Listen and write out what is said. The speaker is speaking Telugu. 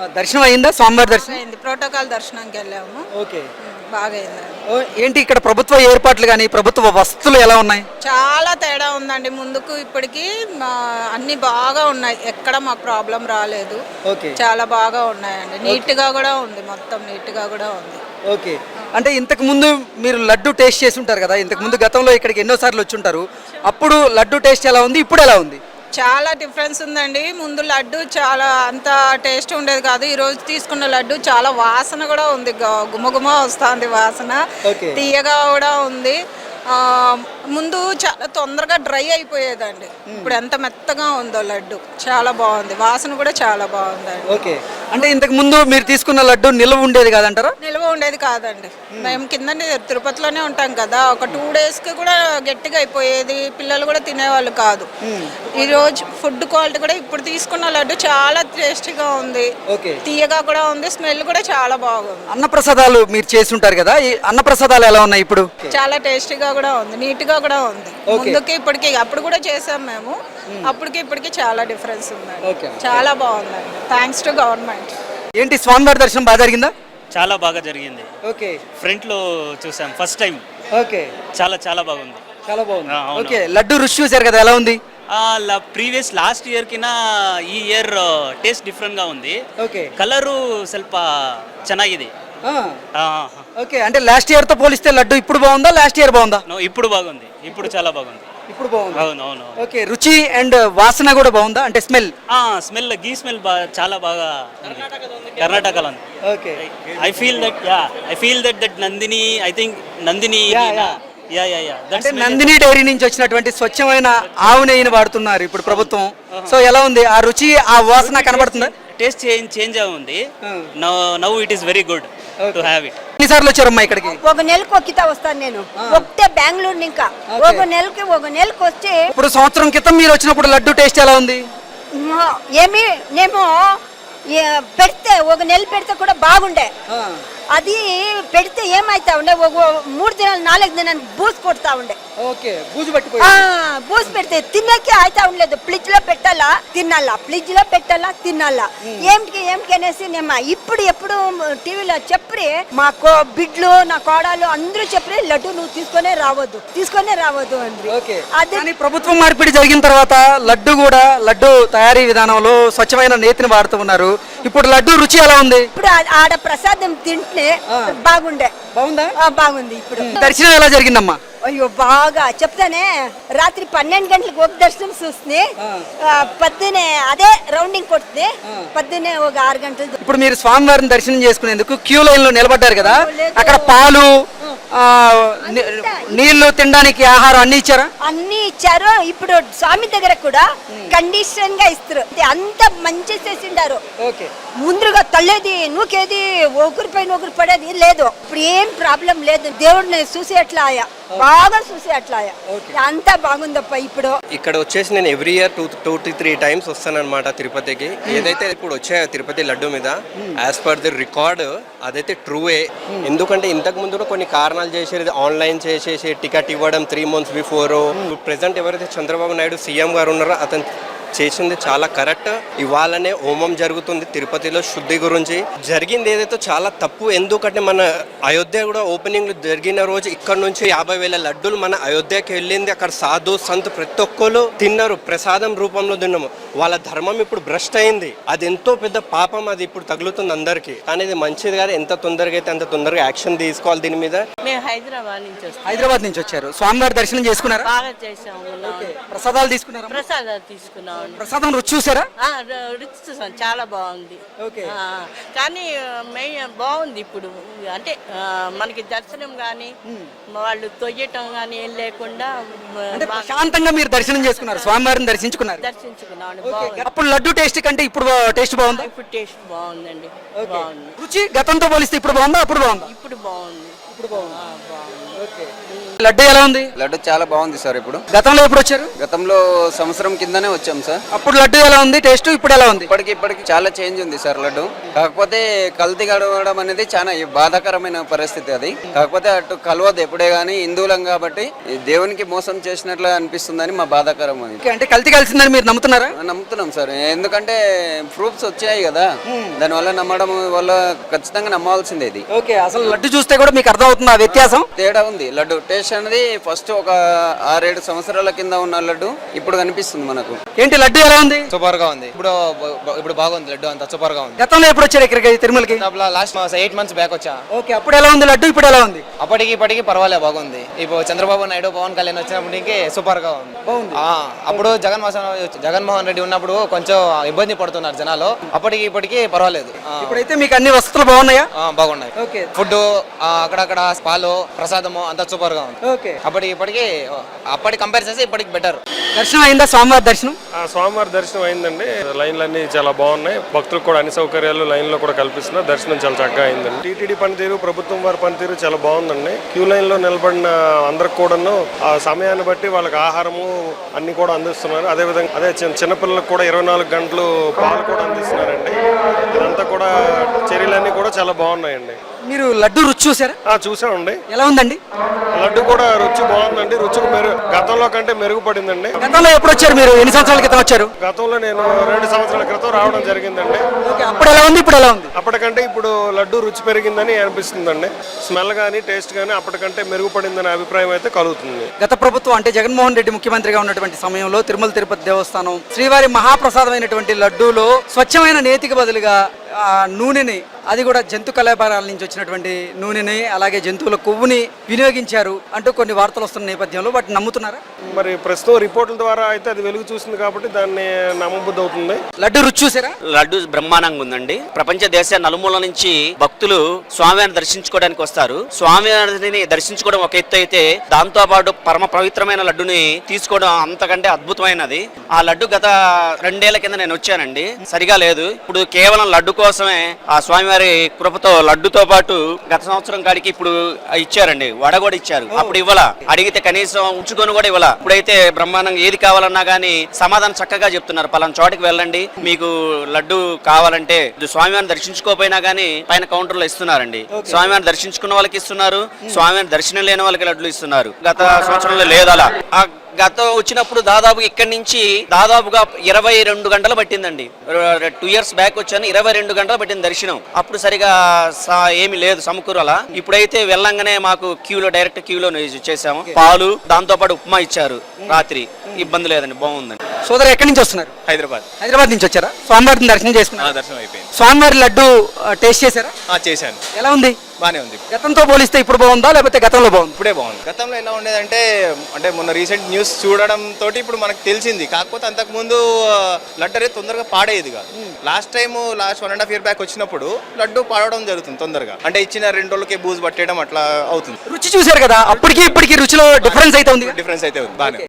దర్శనం అయిందా? స్వామివారి దర్శనం అయింది. ప్రోటోకాల్ దర్శనానికి వెళ్ళాము. ఓకే. బాగా అయిందండి. ఏంటి ఇక్కడ ప్రభుత్వ ఏర్పాట్లు కానీ ప్రభుత్వ వసతులు ఎలా ఉన్నాయి? చాలా తేడా ఉందండి. ముందుకు ఇప్పటికి అన్ని బాగా ఉన్నాయి. ఎక్కడ మాకు ప్రాబ్లం రాలేదు. ఓకే. చాలా బాగా ఉన్నాయండి. నీట్గా కూడా ఉంది. మొత్తం నీట్గా కూడా ఉంది. ఓకే. అంటే ఇంతకు ముందు మీరు లడ్డు టేస్ట్ చేసి ఉంటారు కదా, ఇంతకు ముందు గతంలో ఇక్కడికి ఎన్నోసార్లు వచ్చి ఉంటారు. అప్పుడు లడ్డు టేస్ట్ ఎలా ఉంది, ఇప్పుడు ఎలా ఉంది? చాలా డిఫరెన్స్ ఉందండి. ముందు లడ్డు చాలా అంత టేస్ట్ ఉండేది కాదు. ఈ రోజు తీసుకున్న లడ్డు చాలా వాసన కూడా ఉంది. గుమగుమ వస్తుంది వాసన. తీయగా కూడా ఉంది. ముందు చాలా తొందరగా డ్రై అయిపోయేదండి. ఇప్పుడు ఎంత మెత్తగా ఉందో లడ్డు. చాలా బాగుంది. వాసన కూడా చాలా బాగుందండి. ఓకే. అంటే ఇంతకు ముందు మీరు తీసుకున్న లడ్డు నిల్వ ఉండేది కాదంటారా? నిల్వ ఉండేది కాదండి. మేము కింద తిరుపతిలోనే ఉంటాం కదా, ఒక 2 డేస్కి కూడా గట్టిగా అయిపోయేది. పిల్లలు కూడా తినేవాళ్ళు కాదు. ఈరోజు ఫుడ్ క్వాలిటీ కూడా ఇప్పుడు తీసుకున్న లడ్డు చాలా టేస్టీగా ఉంది. తీయగా కూడా ఉంది. స్మెల్ కూడా చాలా బాగుంది. అన్నప్రసాదాలు మీరు చేసి ఉంటారు కదా, ఈ అన్నప్రసాదాలు ఎలా ఉన్నాయి ఇప్పుడు? చాలా టేస్టీగా కూడా ఉంది. నీట్గా కూడా ఉంది. ముందుకి ఇప్పటికి అప్పుడు కూడా చేసాం మేము. అప్పటికి ఇప్పటికి చాలా డిఫరెన్స్ ఉందండి. చాలా బాగుందండి. Thanks to government. ఏంటి స్వామివారి దర్శనం బాగా జరిగిందా? చాలా బాగా జరిగింది. ఓకే. ఫ్రంట్ లో చూసాం ఫస్ట్ టైం. ఓకే. చాలా చాలా బాగుంది. చాలా బాగుంది. ఓకే. లడ్డు రుచి చూసారు కదా, ఎలా ఉంది? ప్రీవియస్ లాస్ట్ ఇయర్ ಕಿನ ಈ ಇಯರ್ ಟೇಸ್ಟ್ ಡಿಫರೆಂಟ್ గా ఉంది. ఓకే. కలరు ಸ್ವಲ್ಪ ಚೆನ್ನಾಗಿದೆ. ఓకే. అంటే లాస్ట్ ఇయర్ తో పోలిస్తే లడ్డు ఇప్పుడు బాగుందా, లాస్ట్ ఇయర్ బాగుందా? ఇప్పుడు బాగుంది. ఇప్పుడు చాలా బాగుంది. ఇప్పుడు బాగుంది. అవును అవును. ఓకే. రుచి అండ్ వాసన కూడా బాగుందా? అంటే స్మెల్ స్మెల్ గీ స్మెల్ చాలా బాగా కర్ణాటకలో ఉంది. Okay. I feel that Nandini, I think Nandini అంటే నందిని డైరీ నుంచి వచ్చినటువంటి స్వచ్ఛమైన ఆవు నెయ్యిని వాడుతున్నారు ఇప్పుడు ప్రభుత్వం. సో ఎలా ఉంది ఆ రుచి, ఆ వాసన కనబడుతుందా? టేస్ట్ చేంజ్ ఉంది. Now it is very good to have it. ఎన్నిసార్లు వచ్చారమ్మా ఇక్కడికి? ఒక నెలకు ఒక్కితా వస్తాను నేను. ఒకటే బెంగళూరు ఇంకా ఒక నెలకి వచ్చి. ఇప్పుడు సంవత్సరం క్రితం మీరు వచ్చినప్పుడు లడ్డు టేస్ట్ ఎలా ఉంది? ఏమి నేమో పెడితే ఒక నెల పెడితే కూడా బాగుండే. అది పెడితే ఏమైతా ఉండే, ఒక 3 దినాలు 4 దినాలు బూజు కొడతా ఉండే. బూజు పెడితే తిన్నకే అయితా ఉండలేదు. ఫ్రిడ్జ్ లో పెట్టాలా తినాలా, ఫ్రిడ్జ్ లో పెట్టాలా తినాలా. ఏమిటి అనేసి నేను ఇప్పుడు ఎప్పుడు టీవీలో చెప్పి మా బిడ్లు నా కోడలు అందరూ చెప్పి లడ్డు నువ్వు తీసుకొనే రావద్దు అండి. అది ప్రభుత్వం మార్పిడి జరిగిన తర్వాత లడ్డు తయారీ విధానంలో స్వచ్ఛమైన నేతిని వాడుతూ ఉన్నారు. ఇప్పుడు లడ్డు రుచి ఎలా ఉంది? ఇప్పుడు ఆడ ప్రసాదం తింటే బాగుంది. ఇప్పుడు దర్శనం ఎలా జరిగిందమ్మా? అయ్యో బాగా చెప్తానే. రాత్రి 12 గంటలకు ఒక దర్శనం చూస్తుంది. పొద్దునే అదే రౌండింగ్ కొడుతుంది. పొద్దునే ఒక 6 గంటలు. ఇప్పుడు మీరు స్వామివారిని దర్శనం చేసుకునేందుకు క్యూ లైన్ లో నిలబడ్డారు కదా, అక్కడ పాలు నీళ్లు తినడానికి ఆహారం అన్ని ఇచ్చారు. ఇప్పుడు స్వామి దగ్గర కూడా కండిషన్ గా ఇస్తారు. అంత మంచి చేసిండారు. ముందుగా తల్లేది నూకేది ఒకరి పడేది లేదు. ఇప్పుడు ఏం ప్రాబ్లం లేదు. దేవుడిని చూసి అట్లా బాగా చూసి అట్లా అంతా బాగుందప్ప. ఇప్పుడు ఇక్కడ వచ్చేసి నేను ఎవ్రీ ఇయర్ 2 to 3 times వస్తాను అనమాట తిరుపతికి. ఏదైతే ఇప్పుడు వచ్చాయో తిరుపతి లడ్డు మీద యాజ్ పర్ ది రికార్డ్ అదైతే ట్రూవే. ఎందుకంటే ఇంతకు ముందు కూడా కొన్ని కారణాలు చేసేది, ఆన్లైన్ చేసేసి టికెట్ ఇవ్వడం 3 months బిఫోర్. ప్రెసెంట్ ఎవరైతే చంద్రబాబు నాయుడు సీఎం గారు ఉన్నారో అతను చేసింది చాలా కరెక్ట్. ఇవాళనే హోమం జరుగుతుంది తిరుపతిలో శుద్ధి గురించి. జరిగింది ఏదైతే చాలా తప్పు. ఎందుకంటే మన అయోధ్య కూడా ఓపెనింగ్ జరిగిన రోజు ఇక్కడ నుంచి 50,000 లడ్డూలు మన అయోధ్యకి వెళ్ళింది. అక్కడ సాధు సంత్ ప్రతి ఒక్కరు తిన్నారు, ప్రసాదం రూపంలో తిన్నాము. వాళ్ళ ధర్మం ఇప్పుడు భ్రష్ట్ అయింది. అది ఎంతో పెద్ద పాపం. అది ఇప్పుడు తగులుతుంది అందరికి. కానీ ఇది మంచిది కాదు. ఎంత తొందరగా అయితే అంత తొందరగా యాక్షన్ తీసుకోవాలి దీని మీద. మేము హైదరాబాద్ నుంచి వచ్చారు. స్వామివారి దర్శనం చేసుకున్నారా? బాగా చేసాము. ప్రసాదాలు తీసుకున్నారా? తీసుకున్నాం. ప్రసాదం రుచి చూసారా? రుచి చూసాం. చాలా బాగుంది. కానీ బాగుంది ఇప్పుడు. అంటే మనకి దర్శనం గానీ వాళ్ళు తొయ్యటం గానీ ఏం లేకుండా శాంతంగా మీరు దర్శనం చేసుకున్నారు, స్వామివారిని దర్శించుకున్నాం. అప్పుడు లడ్డు టేస్ట్ కంటే ఇప్పుడు టేస్ట్ బాగుంది. ఇప్పుడు టేస్ట్ బాగుందండి. బాగుంది. రుచి గతంతో పోలిస్తే ఇప్పుడు బాగుందా, అప్పుడు బాగుందా? ఇప్పుడు బాగుంది. ఇప్పుడు బాగుంది. లడ్డు ఎలా ఉంది? లడ్డు చాలా బాగుంది సార్. ఇప్పుడు గతంలో ఎప్పుడు వచ్చారు? గతంలో సంవత్సరం కిందనే వచ్చాం సార్. అప్పుడు లడ్డు ఎలా ఉంది టేస్ట్, ఇప్పుడు ఎలా ఉంది? ఇప్పటికి చాలా చేంజ్ ఉంది సార్ లడ్డు. కాకపోతే కల్తీ గడవడం అనేది చాలా బాధాకరమైన పరిస్థితి అది. కాకపోతే అటు కలవదు ఎప్పుడే గానీ, హిందువులం కాబట్టి దేవునికి మోసం చేసినట్లు అనిపిస్తుందని మా బాధాకరం అది. అంటే కల్తీ కలిసిందని మీరు నమ్ముతున్నారా? నమ్ముతున్నాం సార్, ఎందుకంటే ప్రూఫ్స్ వచ్చాయి కదా, దానివల్ల నమ్మడం వల్ల ఖచ్చితంగా నమ్మాల్సిందే ఇది. ఓకే, అసలు లడ్డు చూస్తే కూడా మీకు అర్థం అవుతుంది ఆ వ్యత్యాసం? తేడా ఉంది. లడ్డు టేస్ట్ అనేది ఫస్ట్ ఒక 6-7 సంవత్సరాల కింద ఉన్న లడ్డు ఇప్పుడు కనిపిస్తుంది మనకు. ఏంటి లడ్డు ఎలా ఉంది? సూపర్ గా ఉంది. ఇప్పుడు బాగుంది లడ్డు, అంతా సూపర్ గా ఉంది. గతంలో ఎప్పుడు వచ్చారు ఇక్కడికి తిరుమలకి? లాస్ట్ 8 months బ్యాక్ వచ్చా. ఓకే, అప్పుడు ఎలా ఉంది లడ్డు, ఇప్పుడు ఎలా ఉంది? ఇప్పటికి పర్వాలే, బాగుంది. ఇప్పుడు చంద్రబాబు నాయుడు, పవన్ కళ్యాణ్ వచ్చినప్పటికి సూపర్ గా ఉంది. అప్పుడు జగన్మోహన్ రెడ్డి ఉన్నప్పుడు కొంచెం ఇబ్బంది పడుతున్నారు జనాలు. ఇప్పటికి పర్వాలేదు. ఇప్పుడైతే మీకు అన్ని వసతులు బాగున్నాయా? బాగున్నాయి. ఓకే. ఫుడ్ అక్కడక్కడ పాలు ప్రసాదము అంతా సూపర్ గా ఉంది. ఓకే. అప్పటి కంపేర్ చేస్తే ఇప్పటికి బెటర్. దర్శనం అయిందా? స్వామివారి దర్శనం? స్వామివారి దర్శనం అయిందండి. లైన్లన్నీ చాలా బాగున్నాయి. భక్తులకు కూడా అన్ని సౌకర్యాలు లైన్ లో కూడా కల్పిస్తున్నారు. దర్శనం చాలా చక్కగా అయిందండి. టీటీడీ పనితీరు, ప్రభుత్వం వారి పనితీరు చాలా బాగుందండి. క్యూ లైన్ లో నిలబడిన అందరికి కూడాను ఆ సమయాన్ని బట్టి వాళ్ళకి ఆహారము అన్ని కూడా అందిస్తున్నారు. అదే చిన్నపిల్లలకు కూడా 24 గంటలు పాలు కూడా అందిస్తున్నారండి. ఇదంతా కూడా చర్యలన్నీ కూడా చాలా బాగున్నాయండి. మీరు లడ్డు రుచి చూసారా? చూసామండి. ఎలా ఉందండి? లడ్డు కూడా రుచి బాగుందండి. రుచికి గతంలో కంటే మెరుగుపడిందండి. గతంలో ఎప్పుడు వచ్చారు మీరు? ఎన్ని సంవత్సరాల క్రితం వచ్చారు? గతంలో నేను 2 సంవత్సరాల క్రితం రావడం జరిగిందండి. అప్పుడు ఎలా ఉంది, ఇప్పుడు ఎలా ఉంది? అప్పటికంటే ఇప్పుడు లడ్డు రుచి పెరిగిందని అనిపిస్తుందండి. స్మెల్ కానీ టేస్ట్ కానీ అప్పటికంటే మెరుగుపడిందనే అభిప్రాయం అయితే కలుగుతుంది. గత ప్రభుత్వం అంటే జగన్మోహన్ రెడ్డి ముఖ్యమంత్రిగా ఉన్నటువంటి సమయంలో తిరుమల తిరుపతి దేవస్థానం శ్రీవారి మహాప్రసాదమైనటువంటి లడ్డూలో స్వచ్ఛమైన నేతికి బదులుగా నూనెని, అది కూడా జంతు కళాభారాల నుంచి వచ్చినటువంటి నూనెని, అలాగే జంతువుల కొవ్వుని వినియోగించారు అంటూ కొన్ని వార్తలు వస్తున్న నేపథ్యంలో వాటిని నమ్ముతున్నారా? మరి ప్రస్తుతం రిపోర్టుల ద్వారా అయితే అది వెలుగు చూసింది కాబట్టి దాన్ని నమ్మబుద్ధి అవుతుంది. లడ్డు రుచి చూసారా? లడ్డు బ్రహ్మాండంగా ఉందండి. ప్రపంచ దేశ నలుమూల నుంచి భక్తులు స్వామివారిని దర్శించుకోవడానికి వస్తారు. స్వామివారిని దర్శించుకోవడం ఒక ఎత్తు అయితే, దాంతో పాటు పరమ పవిత్రమైన లడ్డుని తీసుకోవడం అంతకంటే అద్భుతమైనది. ఆ లడ్డు గత 2 ఏళ్ల కింద నేను వచ్చానండి, సరిగా లేదు. ఇప్పుడు కేవలం లడ్డు కోసమే ఆ స్వామివారి కృపతో లడ్డుతో పాటు గత సంవత్సరం కాడికి ఇప్పుడు ఇచ్చారండి, వడ కూడా ఇచ్చారు. అప్పుడు ఇవ్వాల, అడిగితే కనీసం ఉంచుకొని కూడా ఇవ్వాల. ఇప్పుడైతే బ్రహ్మాండంగా ఏది కావాలన్నా గానీ సమాధానం చక్కగా చెప్తున్నారు. పలానా చోటికి వెళ్ళండి, మీకు లడ్డు కావాలంటే స్వామివారిని దర్శించుకోపోయినా గానీ పైన కౌంటర్ లో ఇస్తున్నారండి. స్వామివారిని దర్శించుకున్న వాళ్ళకి ఇస్తున్నారు, స్వామివారిని దర్శనం లేని వాళ్ళకి లడ్లు ఇస్తున్నారు. గత సంవత్సరంలో లేదు అలా. గతం వచ్చినప్పుడు దాదాపు ఇక్కడి నుంచి దాదాపుగా 22 గంటలు పట్టిందండి. 2 years బ్యాక్ వచ్చాను, 22 గంటలు పట్టింది దర్శనం. అప్పుడు సరిగా ఏమి లేదు సమకూరలా. ఇప్పుడైతే వెళ్ళంగానే మాకు డైరెక్ట్ క్యూలో చేసాము. పాలు, దాంతో పాటు ఉప్మా ఇచ్చారు రాత్రి. ఇబ్బంది లేదండి, బాగుందండి. సోదరు ఎక్కడి నుంచి వస్తున్నారు? హైదరాబాద్ నుంచి వచ్చారా? స్వామివారిని దర్శనం చేసుకున్నారు? దర్శనం అయిపోయింది. స్వామివారి లడ్డు టేస్ట్ చేశారా? చేశాను. ఎలా ఉంది? బానే ఉంది. గతంతో పోలిస్తే ఇప్పుడు బాగుందా, లేకపోతే గతంలో బాగుంది? ఇప్పుడే బాగుంది. గతంలో ఎలా ఉండేదంటే, మొన్న రీసెంట్ న్యూస్ చూడడం తోటి ఇప్పుడు మనకు తెలిసింది. కాకపోతే అంతకు ముందు లడ్డు అనేది తొందరగా పాడేది కాదు. లాస్ట్ 1.5 year బ్యాక్ వచ్చినప్పుడు లడ్డు పాడడం జరుగుతుంది తొందరగా. అంటే ఇచ్చిన 2 రోజులకే బూజు పట్టేయడం అట్లా అవుతుంది. రుచి చూశారు కదా, అప్పటికి ఇప్పటికి రుచిలో డిఫరెన్స్ అయితే ఉంది. డిఫరెన్స్ అయితే ఉంది బానే.